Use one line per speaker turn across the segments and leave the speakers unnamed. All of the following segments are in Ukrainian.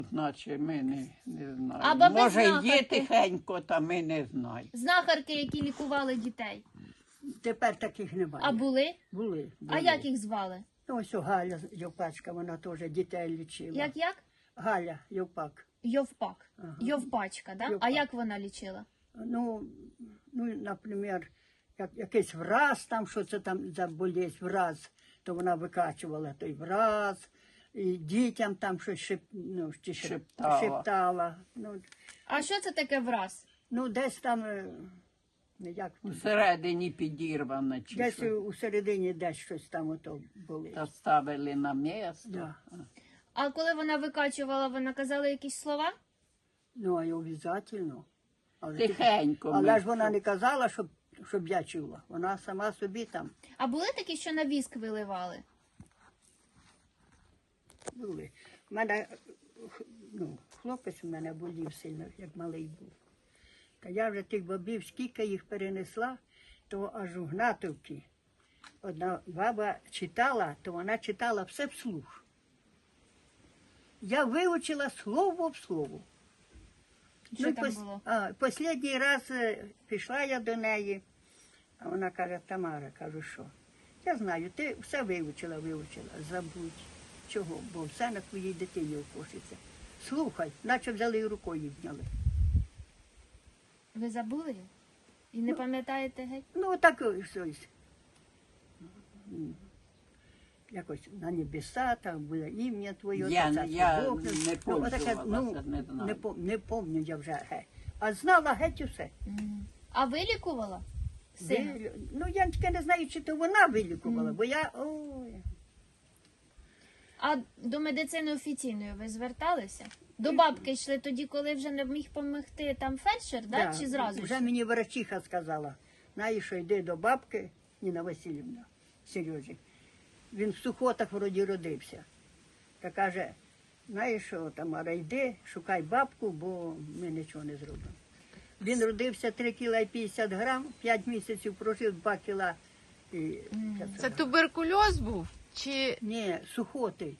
Значить, ми не знаємо.
А баби
Може, є
знахарки?
тихенько, та ми не знаємо.
Знахарки, які лікували дітей.
Тепер таких немає.
А були?
Були.
А як їх звали?
Ну, ось о, Галя Йовпачка, вона теж дітей лічила.
Як?
Галя Йовпак.
Йовпак.
Ага.
Йовпачка, да? А
Йовпак.
як вона лічила?
Ну, наприклад, якийсь враз, там, що це там за болезнь, враз, то вона викачувала той враз, і дітям там щось
Шептала.
шептала.
А що це таке враз?
Ну, десь там, як,
Всередині підірвана чи
десь
що.
у середині десь щось там ото болить.
Та ставили на місце.
Да.
А коли вона викачувала, вона казала якісь слова?
Ну, а й обов'язково.
Тихенько.
Але
ми
ж вона не казала, щоб я чула. Вона сама собі там
А були такі, що на віск виливали?
були. У мене, хлопець у мене болів сильно, як малий був. Та я вже тих бабів, скільки їх перенесла, то аж у Гнатовці. Одна баба читала, то вона читала все вслух. Я вивчила слово в слово.
Що там було?
Останній раз пішла я до неї, а вона каже: Тамара, кажу, що? Я знаю, ти все вивчила, забудь. Чого? Бо все на твоїй дитині окошиться. Слухай, наче взяли і рукою зняли.
Ви забули їх? І не пам'ятаєте геть?
Ну, так щось. Якось на небеса, там буде ім'я твоє.
Я
царство
не
Бог.
пользувалася,
Ну,
не знаю.
не пам'ятаю я вже геть. А знала геть усе.
А ви лікувала? Сина?
Ну, я тільки не знаю, чи то вона вилікувала, бо я... Ой.
А до медицини офіційної ви зверталися? До бабки йшли тоді, коли вже не міг допомогти там фельдшер, да? Чи зразу?
Вже мені врачиха сказала, знаєш, що йди до бабки, Ніна Васильівна, Сережі. Він в Сухотах вроді родився. Та каже, знаєш що, Тамара, йди, шукай бабку, бо ми нічого не зробимо. Він родився 3 кіла і 50 грам, 5 місяців прожив 2 кіла і 500
Це
грам.
туберкульоз був? Чи
Ні, Сухоти.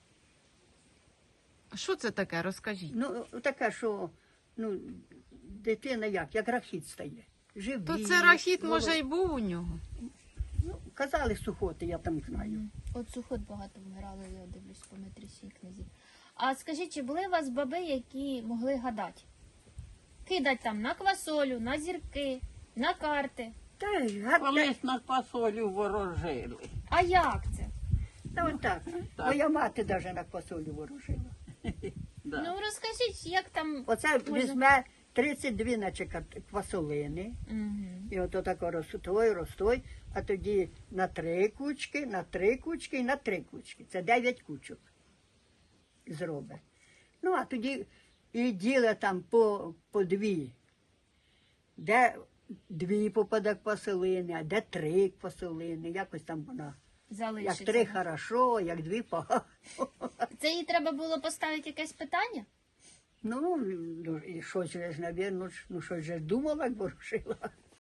що це таке? Розкажіть.
Ну, така, що дитина як рахіт стає. Живі,
То це рахіт,
воло-
може, і був у нього?
Ну, казали Сухоти, я там знаю.
От Сухот багато вмирали, я дивлюсь по метрісі книзі. А скажіть, чи були у вас баби, які могли гадати? Кидать там на квасолю, на зірки, на карти.
Та й
Колись на квасолю ворожили.
А як це?
та отак. Моя мати навіть на квасолю ворожила.
Да.
Ну розкажіть, як там...
Оце
Може-
візьме 32 наче квасолини.
Мгм.
І ото тако ростой, а тоді на 3 кучки, на 3 кучки і на 3 кучки. Це 9 кучок зробить. Ну, а тоді і діла там по 2. Де 2 попаде квасолини, а де 3 квасолини. Якось там вона. Як
Залишиться.
3 хорошо, як 2 погано.
Це їй треба було поставити якесь питання?
Ну, і щось же ж, навірно, щось же ж думала, як ворушила.